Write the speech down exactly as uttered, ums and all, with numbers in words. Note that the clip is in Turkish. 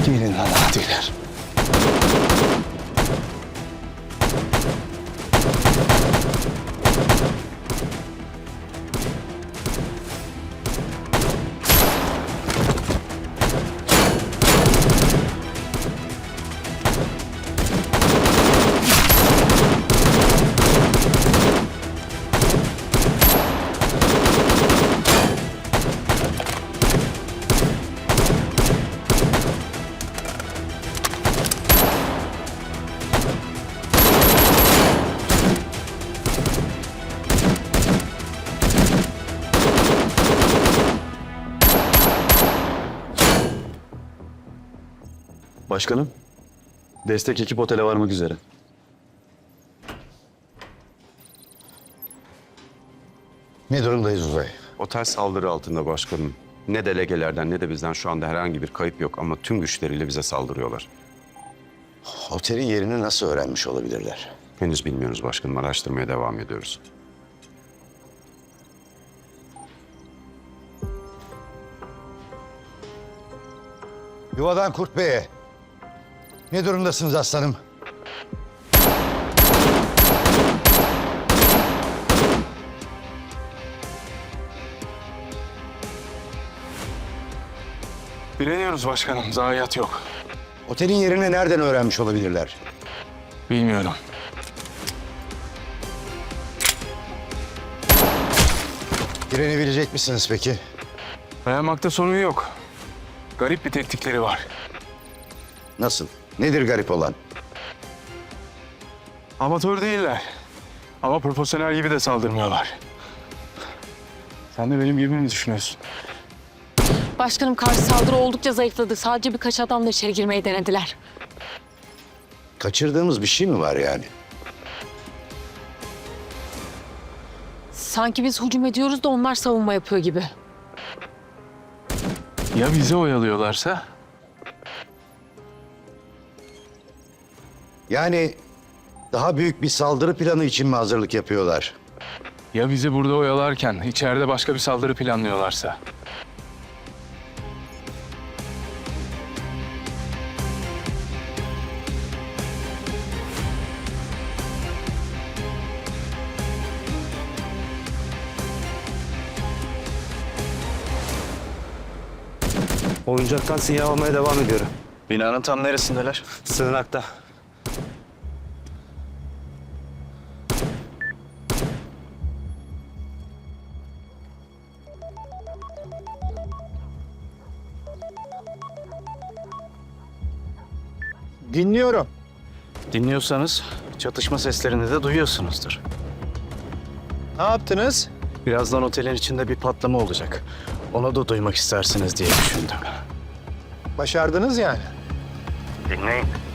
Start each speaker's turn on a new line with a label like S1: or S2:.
S1: Gelin lan adiler.
S2: Başkanım, destek ekip otele varmak üzere.
S3: Ne durumdayız Uzay?
S4: Otel saldırı altında başkanım. Ne delegelerden ne de bizden şu anda herhangi bir kayıp yok ama tüm güçleriyle bize saldırıyorlar.
S3: Otelin yerini nasıl öğrenmiş olabilirler?
S4: Henüz bilmiyoruz başkanım, araştırmaya devam ediyoruz.
S3: Yuvadan Kurt Bey'e. Ne durumdasınız aslanım?
S1: Bileniyoruz başkanım. Zayiat yok.
S3: Otelin yerini nereden öğrenmiş olabilirler?
S1: Bilmiyorum.
S3: Direnebilecek misiniz peki?
S1: Dayanmakta sorun yok. Garip bir teknikleri var.
S3: Nasıl? Nedir garip olan?
S1: Amatör değiller. Ama profesyonel gibi de saldırmıyorlar. Sen de benim gibi mi düşünüyorsun?
S5: Başkanım karşı saldırı oldukça zayıfladı. Sadece birkaç adamla içeri girmeyi denediler.
S3: Kaçırdığımız bir şey mi var yani?
S5: Sanki biz hücum ediyoruz da onlar savunma yapıyor gibi.
S1: Ya bizi oyalıyorlarsa?
S3: Yani daha büyük bir saldırı planı için mi hazırlık yapıyorlar?
S1: Ya bizi burada oyalarken içeride başka bir saldırı planlıyorlarsa?
S6: Oyuncaktan sinyal almaya devam ediyorum.
S2: Binanın tam neresindeler?
S6: Sığınakta.
S3: Dinliyorum.
S2: Dinliyorsanız çatışma seslerini de duyuyorsunuzdur.
S6: Ne yaptınız?
S2: Birazdan otelin içinde bir patlama olacak. Onu da duymak istersiniz diye düşündüm.
S6: Başardınız yani.
S2: Dinleyin.